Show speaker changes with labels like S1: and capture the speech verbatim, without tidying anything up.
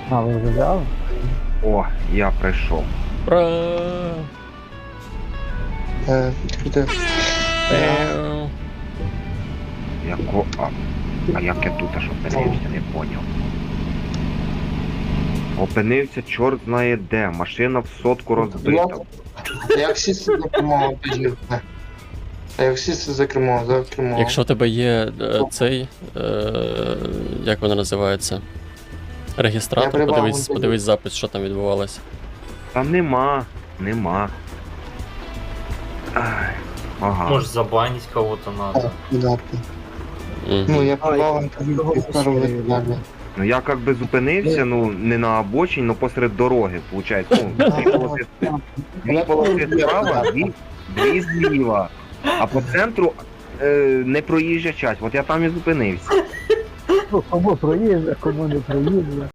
S1: А, ви вже взяли?
S2: О, я прийшов.
S3: Ура!
S4: Е, де?
S3: Пеу.
S2: Яко. А, а як я тут аж опинився, не поняв. Опинився чорт знає де. Машина в сотку розбита.
S4: Як сісти за кермо, тоді. А як сісти за кермо, за кермо.
S3: Якщо у тебе є е, цей, е, як воно називається?
S4: Я
S3: Регістратор,
S4: прибав
S3: подивись,
S4: вон тоді.
S3: подивись запис, що там відбувалося.
S2: Та нема, нема. Ай, ага.
S5: Может забанить кого-то надо.
S4: Да.
S3: Мгм.
S4: Ну, я прибав інтерв'ю і скажу далі.
S2: Ну я как би зупинився, ну не на обочині, но посеред дороги, виходить. Ну, дві полоси, дві полоси справа, дві, дві зліва. А по центру е, не проїжджа часть. От я там і зупинився.
S1: Ну, кому проїжджа, кому не проїжджа.